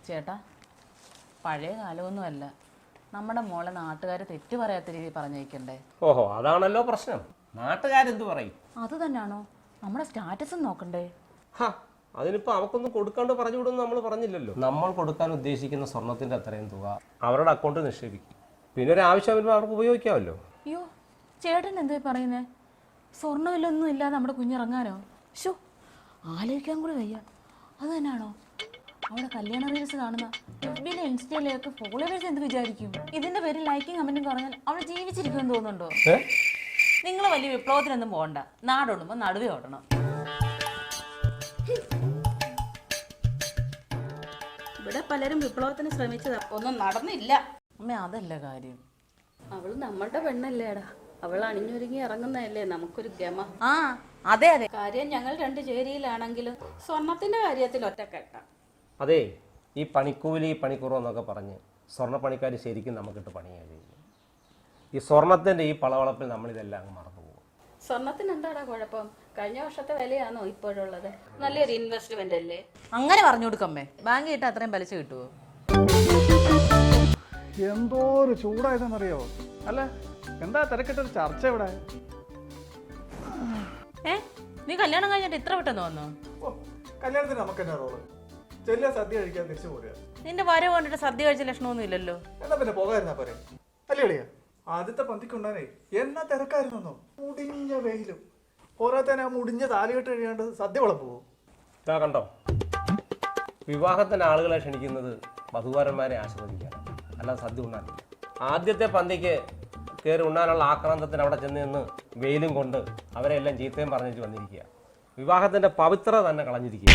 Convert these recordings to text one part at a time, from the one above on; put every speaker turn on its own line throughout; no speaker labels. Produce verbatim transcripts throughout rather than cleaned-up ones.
ചേട്ടാ, പഴയ കാലമൊന്നുമല്ല. നമ്മുടെ മോളെ നാട്ടുകാർ തെറ്റ് പറയാത്ത രീതിയിൽ പറഞ്ഞേക്കണ്ടേ?
ഓഹോ, അതാണല്ലോ പ്രശ്നം. നാട്ടുകാരെന്ത് പറയും?
അത് തന്നെയാണോ നമ്മുടെ സ്റ്റാറ്റസും നോക്കണ്ടേ?
ഹാ, അതിനിപ്പോൾ അവക്കൊന്നും കൊടുക്കാണ്ട് പറഞ്ഞു വിടുമെന്ന് നമ്മൾ പറഞ്ഞില്ലല്ലോ. നമ്മൾ കൊടുക്കാൻ ഉദ്ദേശിക്കുന്ന സ്വർണത്തിൻ്റെ അത്രയും തുക അവരുടെ അക്കൗണ്ടിൽ നിക്ഷേപിക്കും. പിന്നെ ഒരു ആവശ്യം വരുമ്പോൾ അവർക്ക് ഉപയോഗിക്കാമല്ലോ.
അയ്യോ, ചേട്ടൻ എന്തേ പറയുന്നേ? സ്വർണ്ണമില്ലൊന്നും ഇല്ലാതെ നമ്മുടെ കുഞ്ഞിറങ്ങാനോ? ഷോ, ആലോചിക്കാൻ കൂടി വയ്യ. അത് തന്നെയാണോ അവിടെ കല്യാണ റീൽസ് കാണുന്ന എഫ്ബിയിലെ ഇൻസ്റ്റയിലൊക്കെ ഫോളോവേഴ്സ് എന്ത് വിചാരിക്കും? ഇതിന്റെ പേരിൽ ലൈക്കും കമന്റും കുറഞ്ഞാൽ അവൾ ജീവിച്ചിരിക്കുമെന്ന് തോന്നുന്നുണ്ടോ? നിങ്ങൾ വലിയ വിപ്ലവത്തിനൊന്നും പോകണ്ട. നാടോടുമ്പോൾ നടുവേ ഓടണം.
ഇവിടെ പലരും വിപ്ലവത്തിന് ശ്രമിച്ചതാ, ഒന്നും നടന്നില്ല.
അമ്മ, അതല്ല കാര്യം.
അവള് നമ്മളുടെ പെണ്ണല്ലേടാ, അവൾ അണിഞ്ഞൊരുങ്ങി ഇറങ്ങുന്നതല്ലേ നമുക്കൊരു ഗമ.
ആ, അതെ അതെ.
കാര്യം ഞങ്ങൾ രണ്ട് ചേരിയിലാണെങ്കിലും സ്വർണത്തിന്റെ കാര്യത്തിൽ ഒറ്റക്കെട്ട.
അതെ, ഈ പണിക്കൂലി പണിക്കുറവെന്നൊക്കെ പറഞ്ഞ് സ്വർണ്ണപ്പണിക്കാർ ശരിക്കും നമുക്കിട്ട് പണിയാണ് ചെയ്യുന്നത്. ഈ സ്വർണത്തിൻ്റെ ഈ പളവളപ്പിൽ നമ്മളിതെല്ലാം അങ്ങ് മറന്നു പോകും.
സ്വർണത്തിന് എന്താടാ കുഴപ്പം? കഴിഞ്ഞ വർഷത്തെ വിലയാണോ ഇപ്പോഴുള്ളത്? നല്ലൊരു ഇൻവെസ്റ്റ്മെന്റ് അല്ലേ?
അങ്ങനെ പറഞ്ഞു കൊടുക്കമ്മേ. ബാങ്ക് കിട്ടാൻ അത്രയും പലിശ കിട്ടുമോ?
എന്തോ ഒരു ചൂടായതെന്നറിയോ? അല്ല, എന്താ തിരക്കിട്ടൊരു ചർച്ച ഇവിടെ?
ഏ, നീ കല്യാണം കഴിഞ്ഞിട്ട് ഇത്ര പെട്ടെന്ന് വന്നോ?
ഓ, കല്യാണത്തിന് നമുക്ക് തന്നെ റോള് ചെല്ലുക, സദ്യ കഴിക്കാൻ തിരിച്ചു പോരുക.
നിന്റെ വരവ് കണ്ടിട്ട് സദ്യ കഴിച്ച ലക്ഷണമൊന്നും ഇല്ലല്ലോ.
എന്നാ പിന്നെ പോകായിരുന്നാ പോരെ? അല്ലേ അളിയാ? ആദ്യത്തെ പന്തിക്കുണ്ടാനേ എന്നാ തിരക്കായിരുന്നോ? മുടിഞ്ഞ വെയിലും പോരാത്തന്നെ ആ മുടിഞ്ഞ താലികെട്ട് കഴിയാണ്ട് സദ്യ വിളമ്പുവോ?
ഇതാ കണ്ടോ, വിവാഹത്തിന് ആളുകളെ ക്ഷണിക്കുന്നത് വധുവരന്മാരെ ആസ്വദിക്കാനാണ്, അല്ലാതെ സദ്യ ഉണ്ണാനില്ല. ആദ്യത്തെ പന്തിക്ക് കയറി ഉണ്ണാനുള്ള ആക്രാന്തത്തിന് അവിടെ ചെന്ന് നിന്ന് വെയിലും കൊണ്ട് അവരെ എല്ലാം ചീത്തയും പറഞ്ഞിട്ട് വന്നിരിക്കുക. വിവാഹത്തിന്റെ പവിത്രത തന്നെ കളഞ്ഞിരിക്കുക.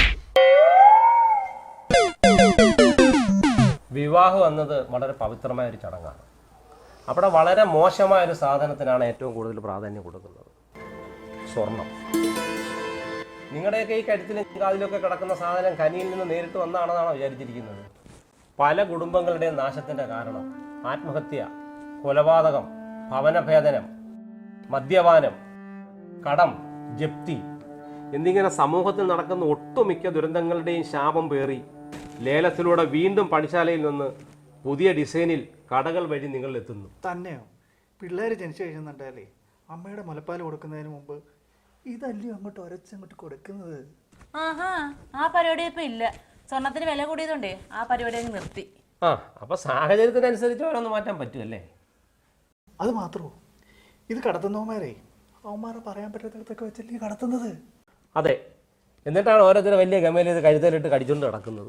വിവാഹം എന്നത് വളരെ പവിത്രമായ ഒരു ചടങ്ങാണ്. അവിടെ വളരെ മോശമായ ഒരു സാധനത്തിനാണ് ഏറ്റവും കൂടുതൽ പ്രാധാന്യം കൊടുക്കുന്നത്, സ്വർണം. നിങ്ങളുടെയൊക്കെ ഈ കരുത്തിലും കാതിലൊക്കെ കിടക്കുന്ന സാധനം കനിയിൽ നിന്ന് നേരിട്ട് വന്നാണെന്നാണോ വിചാരിച്ചിരിക്കുന്നത്? പല കുടുംബങ്ങളുടെയും നാശത്തിൻ്റെ കാരണം ആത്മഹത്യ, കൊലപാതകം, ഭവനഭേദനം, മദ്യപാനം, കടം, ജപ്തി എന്നിങ്ങനെ സമൂഹത്തിൽ നടക്കുന്ന ഒട്ടുമിക്ക ദുരന്തങ്ങളുടെയും ശാപം പേറി ലേലത്തിലൂടെ വീണ്ടും പണിശാലയിൽ നിന്ന് പുതിയ ഡിസൈനിൽ കടകൾ വഴി നിങ്ങൾ എത്തുന്നു.
തന്നെയോ? പിള്ളേർ ജനിച്ചു കഴിയുന്നുണ്ടല്ലേ, അമ്മയുടെ മുലപ്പാൽ കൊടുക്കുന്നതിന് മുമ്പ് ഇതല്ലേ അങ്ങോട്ട് ഒരച്ചങ്ങോട്ട് കൊടുക്കുന്നത്?
ആഹാ, ആ പരിപാടി ഇപ്പൊ ഇല്ല. സ്വർണത്തിന് വില കൂടിയതുകൊണ്ടേ ആ പരിപാടി അങ്ങ് നിർത്തി.
ആ, അപ്പൊ സാഹചര്യത്തിനനുസരിച്ച് ഓരോന്ന് മാറ്റാൻ പറ്റുമല്ലേ?
അത് മാത്രമോ, ഇത് കടത്തുന്നവന്മാരെ അവന്മാരെ പറയാൻ പറ്റാത്തടത്തൊക്കെ വെച്ചല്ലേ കടത്തുന്നത്?
അതെ, എന്നിട്ടാണ് ഓരോരുത്തരും വലിയ ഗമയിൽ ഇത് കഴുതലിട്ട് കടിച്ചുകൊണ്ട് നടക്കുന്നത്.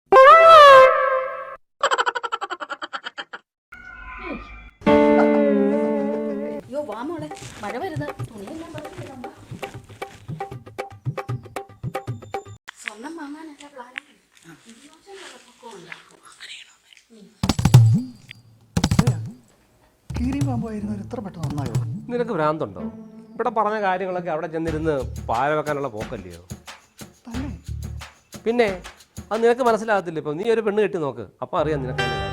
അയ്യോ വാ മോളെ, മഴ വരുന്നത് തുണിയെല്ലാം പറഞ്ഞിട്ടുണ്ടോ? സ്വർണം വാങ്ങാനല്ല പ്ലാൻ.
കീരിയും പാമ്പായിരുന്നു ഇത്ര പെട്ടെന്ന് നന്നായോ?
നിനക്ക് ഭ്രാന്തുണ്ടോ? ഇവിടെ പറഞ്ഞ കാര്യങ്ങളൊക്കെ അവിടെ ചെന്നിരുന്ന് പാര വെക്കാനുള്ള പോക്കല്ലയോ?
തന്നെ?
പിന്നെ അത് നിനക്ക് മനസ്സിലാകത്തില്ല. ഇപ്പം നീ ഒരു പെണ്ണ് കെട്ടി നോക്ക്, അപ്പം അറിയാം നിനക്ക്.